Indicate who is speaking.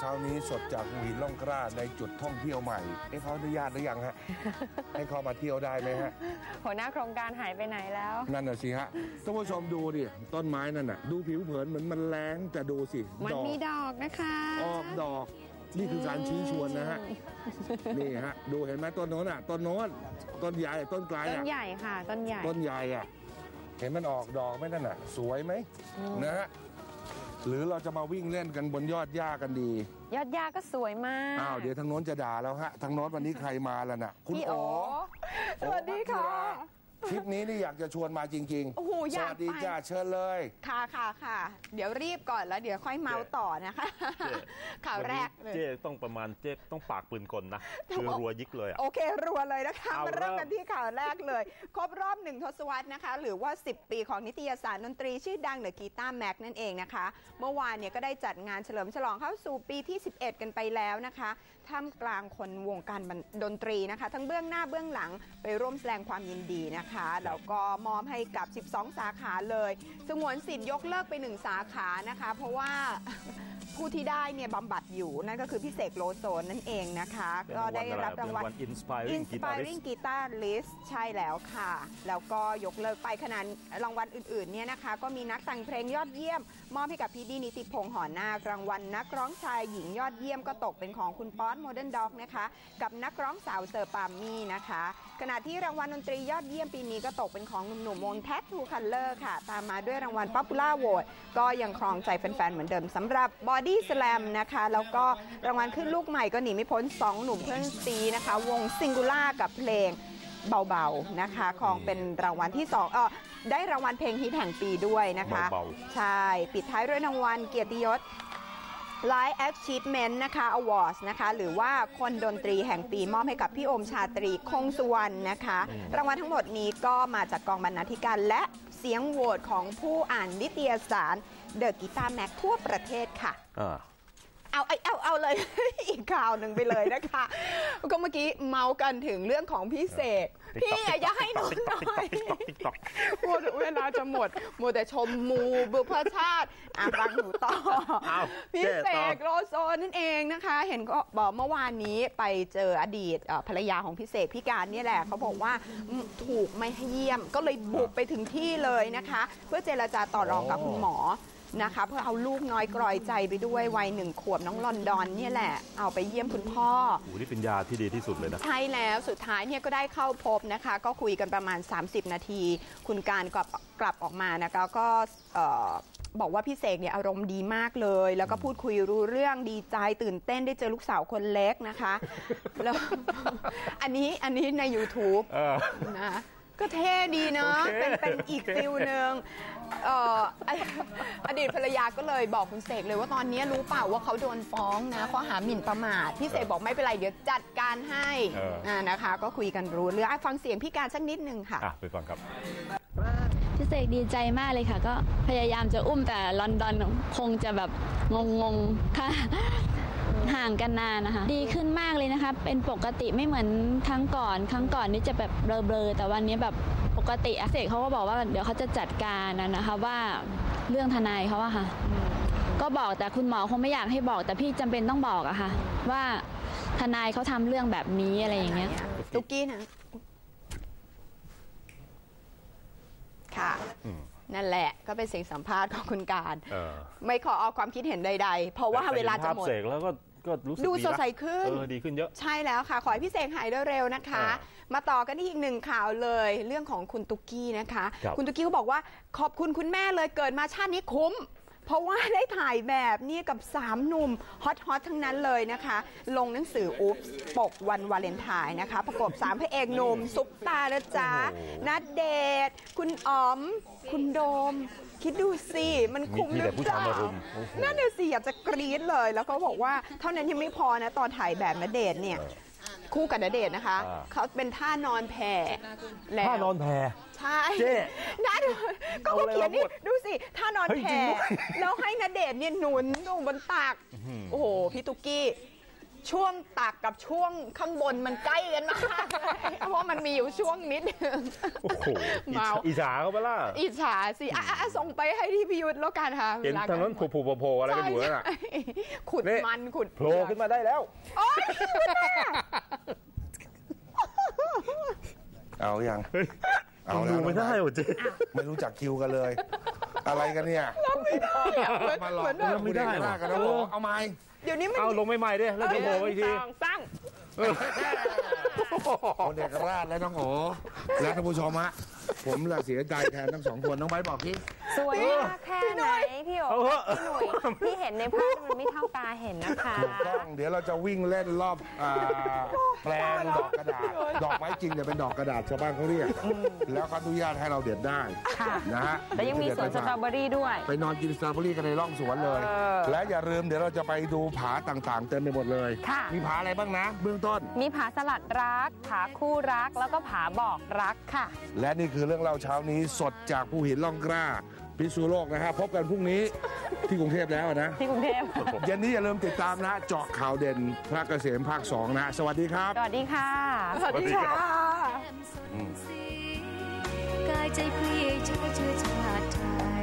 Speaker 1: เช้านี้สดจากหัวหินล่องกล้าในจุดท่องเที่ยวใหม่เขาอนุญาตหรือยังฮะ ให้เข้ามาเที่ยวได้ไหมฮะ
Speaker 2: หัวหน้าโครงการหายไปไหนแล้ว
Speaker 1: นั่นน่ะสิฮะท่านผู้ชมดูดิต้นไม้นั่นน่ะดูผิวเผินเหมือนมันแรงแต่ดูสิ
Speaker 2: มันมีดอกนะคะ
Speaker 1: ออกดอกนี่คือการชี้ชวนนะฮะนี่ฮะดูเห็นไหมต้นโน้นอ่ะต้นโน้นต้นใหญ่ต้นกลาง
Speaker 2: ต้นใหญ่ค่ะต้นให
Speaker 1: ญ่อ่ะเห็นมันออกดอกไหมนั่นน่ะสวยไหมนะฮะหรือเราจะมาวิ่งเล่นกันบนยอดหญ้ากันดี
Speaker 2: ยอดหญ้าก็สวยมาก
Speaker 1: อ้าวเดี๋ยวทางโน้นจะด่าแล้วฮะทางโน้นวันนี้ใครมาแล้วน่ะคุณโอ
Speaker 3: สวัสดีค่ะ
Speaker 1: ทริปนี้นี่อยากจะชวนมาจริงๆ
Speaker 3: โอ้โห
Speaker 1: สวัสดีจ้าเชิญเลย
Speaker 3: ค่ะเดี๋ยวรีบก่อนแล้วเดี๋ยวค่อยเมาต่อนะคะข่าวแรกเลย
Speaker 4: เจ๊ต้องประมาณเจ๊ต้องปากปืนกลนะคือรัวยิกเลย
Speaker 3: โอเครัวเลยนะคะมาเริ่มกันที่ข่าวแรกเลยครบรอบ1 ทศวรรษนะคะหรือว่า10 ปีของนิตยสารดนตรีชื่อดังเดอะกีตาร์แม็กนั่นเองนะคะเมื่อวานเนี่ยก็ได้จัดงานเฉลิมฉลองเข้าสู่ปีที่11กันไปแล้วนะคะท่ามกลางคนวงการดนตรีนะคะทั้งเบื้องหน้าเบื้องหลังไปร่วมแสดงความยินดีนะคะแล้วก็มอบให้กับ12 สาขาเลยสงวนสิทธิ์ยกเลิกไป1 สาขานะคะเพราะว่าผู้ที่ได้เนี่ยบำบัดอยู่นั่นก็คือพี่เสกโลโซนั่นเองนะคะก็ได้รับรางวัล Inspiring Guitarist ใช่แล้วค่ะแล้วก็ยกเลิกไปขนาดรางวัลอื่นๆเนี่ยนะคะก็มีนักแต่งเพลงยอดเยี่ยมมอบให้กับพี่ดีนิติพงษ์หอนาครางวัลนักร้องชายหญิงยอดเยี่ยมก็ตกเป็นของคุณป๊อตโมเดิร์นด็อกนะคะกับนักร้องสาวเซอร์ปามี่นะคะขณะที่รางวัลดนตรียอดเยี่ยมปีนี้ก็ตกเป็นของหนุ่มๆวง Tattoo Color ค่ะตามมาด้วยรางวัล Popular Vote ก็ยังครองใจแฟนๆเหมือนเดิมสำหรับ Body Slam นะคะแล้วก็รางวัลขึ้นลูกใหม่ก็หนีไม่พ้น2 หนุ่มเพื่อนซีนะคะวง Singular กับเพลงเบาๆนะคะของเป็นรางวัลที่2ได้รางวัลเพลงฮิตแห่งปีด้วยนะคะใช่ปิดท้ายด้วยรางวัลเกียรติยศ Life Achievement นะคะ Awards นะคะหรือว่าคนดนตรีแห่งปีมอบให้กับพี่โอมชาตรีคงสุวรรณนะคะรางวัลทั้งหมดนี้ก็มาจากกองบรรณาธิการและเสียงโหวตของผู้อ่านนิตยสาร The Guitar Mag ทั่วประเทศค่ะเอาเลย อีกข่าวหนึ่งไปเลยนะคะก็เมื่อกี้เมากันถึงเรื่องของพี่เสกพี่อย่าให้หนูหน่อยเวลาจะหมดมัวแต่ชมมูบุพชาติฟังหนูต่อพี่เสกโลโซนั่นเองนะคะเห็นก็บอกเมื่อวานนี้ไปเจออดีตภรรยาของพี่เสกพี่การนี่แหละเขาบอกว่าถูกไม่ให้เยี่ยมก็เลยบุกไปถึงที่เลยนะคะเพื่อเจรจาต่อรองกับคุณหมอนะคะเพื่อเอาลูกน้อยกรอยใจไปด้วยวัย1 ขวบน้องลอนดอนเนี่ยแหละเอาไปเยี่ยมคุณพ่อ
Speaker 4: นี่เป็นยาที่ดีที่สุดเลยนะ
Speaker 3: ใช่แล้วสุดท้ายเนี่ยก็ได้เข้าพบนะคะก็คุยกันประมาณ30 นาทีคุณการกลับออกมานะคะก็บอกว่าพี่เสกเนี่ยอารมณ์ดีมากเลยแล้วก็พูดคุยรู้เรื่องดีใจตื่นเต้นได้เจอลูกสาวคนเล็กนะคะแล้วอันนี้ใน YouTube นะก็เท่ดีเนาะเป็นอีกฟิลหนึ่งอดีตภรรยาก็เลยบอกคุณเสกเลยว่าตอนนี้รู้เปล่าว่าเขาโดนฟ้องนะข้อหาหมิ่นประมาทพี่เสกบอกไม่เป็นไรเดี๋ยวจัดการให้นะคะก็คุยกันรู้เรื่องฟังเสียงพี่การสักนิดนึงค่ะ
Speaker 4: ไปฟังครับ
Speaker 5: พี่เสกดีใจมากเลยค่ะก็พยายามจะอุ้มแต่ลอนดอนคงจะแบบงงค่ะห่างกันนานนะคะดีขึ้นมากเลยนะคะเป็นปกติไม่เหมือนครั้งก่อนนี่จะแบบเบลอแต่วันนี้แบบปกติเสกเขาก็บอกว่าเดี๋ยวเขาจะจัดการนะคะว่าเรื่องทนายเขาอะค่ะก็บอกแต่คุณหมอคงไม่อยากให้บอกแต่พี่จำเป็นต้องบอกอะค่ะว่าทนายเขาทำเรื่องแบบนี้อะไรอย่างเงี้ย
Speaker 3: ตุ๊กกี้นะค่ะนั่นแหละก็เป็นเสียงสัมภาษณ์ของคุณการไม่ขอเอาความคิดเห็นใดๆเพราะว่าเวลาจะหมด
Speaker 4: แล้วก็รู้สึก
Speaker 3: ดูสดใสขึ้น
Speaker 4: ดีขึ้นเยอะ
Speaker 3: ใช่แล้วค่ะขอให้พี่เสกหายเร็วๆนะคะมาต่อกันที่อีก1 ข่าวเลยเรื่องของคุณตุ๊กกี้นะคะคุณตุ๊กกี้เขาบอกว่าขอบคุณคุณแม่เลยเกิดมาชาตินี้คุ้มเพราะว่าได้ถ่ายแบบนี้กับ3 หนุ่มฮอตทั้งนั้นเลยนะคะลงหนังสืออุ๊บปกวันวาเลนไทน์นะคะประกบ3 พระเอกหนุ่มซุปตานะจ๊ะณเดชน์คุณอ๋อมคุณโดมคิดดูสิมันคุ้มหรือเปล่านั่นน่ะสิอยากจะกรี๊ดเลยแล้วก็บอกว่าเท่านั้นยังไม่พอนะตอนถ่ายแบบณเดชน์เนี่ยคู่กับณเดชน์นะคะเขาเป็นท่านอนแผ่แล้ว
Speaker 4: ท่านอนแผ่
Speaker 3: ใช่นั่นก็เขาเขียนนี่ดูสิท่านอนแผ่แล้วให้ณเดชน์เนี่ยหนุนลงบนตักโอ้โหพี่ตุ๊กกี้ช่วงตักกับช่วงข้างบนมันใกล้กันมากเพราะมันมีอยู่ช่วงนิดนึง
Speaker 4: โอ้โห
Speaker 3: เมา
Speaker 4: อิจฉาเขาไปล่ะ
Speaker 3: อิจฉาสิส่งไปให้ที่พิยุทธ์แล้วกันค่ะ
Speaker 4: เห็นทางนั้นผูโผล่อะไรกันอยู่นั่นน่ะ
Speaker 3: ใช่ขุด
Speaker 4: นี่
Speaker 3: มันขุด
Speaker 4: โผล่ขึ้นมาได้แล้ว
Speaker 3: โอ๊ย
Speaker 1: เอายัง
Speaker 4: เฮ้ย
Speaker 1: เอา
Speaker 4: ดู
Speaker 1: แล้ว
Speaker 4: ไม่ได้ว่ะเจ๊
Speaker 1: ไม่รู้จักคิวกันเลย อะไรกันเนี่ย มาหลอก
Speaker 3: เหมือนแบบ
Speaker 1: ไม่ได้กันนะผมเอาไม้
Speaker 3: เดี๋ยวนี้มัน
Speaker 4: เอาลงใหม่ๆดิแล้วเดี๋ยวโผล่อีกที
Speaker 2: ตั้ง
Speaker 1: คนเด็กราชและน้องโอและท่านผู้ชมฮะผมละเสียใจแทนทั้งสองคนน้องไบร์ทบอกที่
Speaker 2: สวยมากแค่ไหนพี่โอ๋
Speaker 4: เอาเหอะ
Speaker 2: พี่หนุ่ยที่เห็นในภาพมันไม่เท่าตาเห็นนะคะ
Speaker 1: ถูกต้องเดี๋ยวเราจะวิ่งเล่นรอบแปลงดอกกระดาษ ดอกไม้จริงเนี่ยเป็นดอกกระดาษชาวบ้านเขาเรียกแล้วเขาอนุญาตให้เราเด็ดได้
Speaker 2: ค่ะ
Speaker 1: นะฮะ
Speaker 2: แล้วยังมีสวนสตรอเบอรี่ด้วย
Speaker 1: ไปนอนกินสตรอเบอรี่กันในร่องสวนเลย และอย่าลืมเดี๋ยวเราจะไปดูผาต่างๆ เต็มไปหมดเลย
Speaker 2: ค่ะ
Speaker 1: มีผาอะไรบ้างนะ เบื้องต้น
Speaker 2: มีผาสลัดรัก ผาคู่รัก แล้วก็ผาบอกรักค่ะ
Speaker 1: และนี่คือเรื่องเล่าเช้านี้สดจากภูหินล่องกล้าพิษณุโลกนะฮะพบกันพรุ่งนี้ที่กรุงเทพแล้วนะ
Speaker 2: ที่กรุงเทพ
Speaker 1: เย็นนี้อย่าลืมติดตามนะเจาะข่าวเด่นพระเกษมภาค 2 นะ สวัสดีครับ
Speaker 2: สวัสดีค่ะ
Speaker 3: สวัสดีค่ะ
Speaker 6: กายใจเพลียเชื่อชาติไทย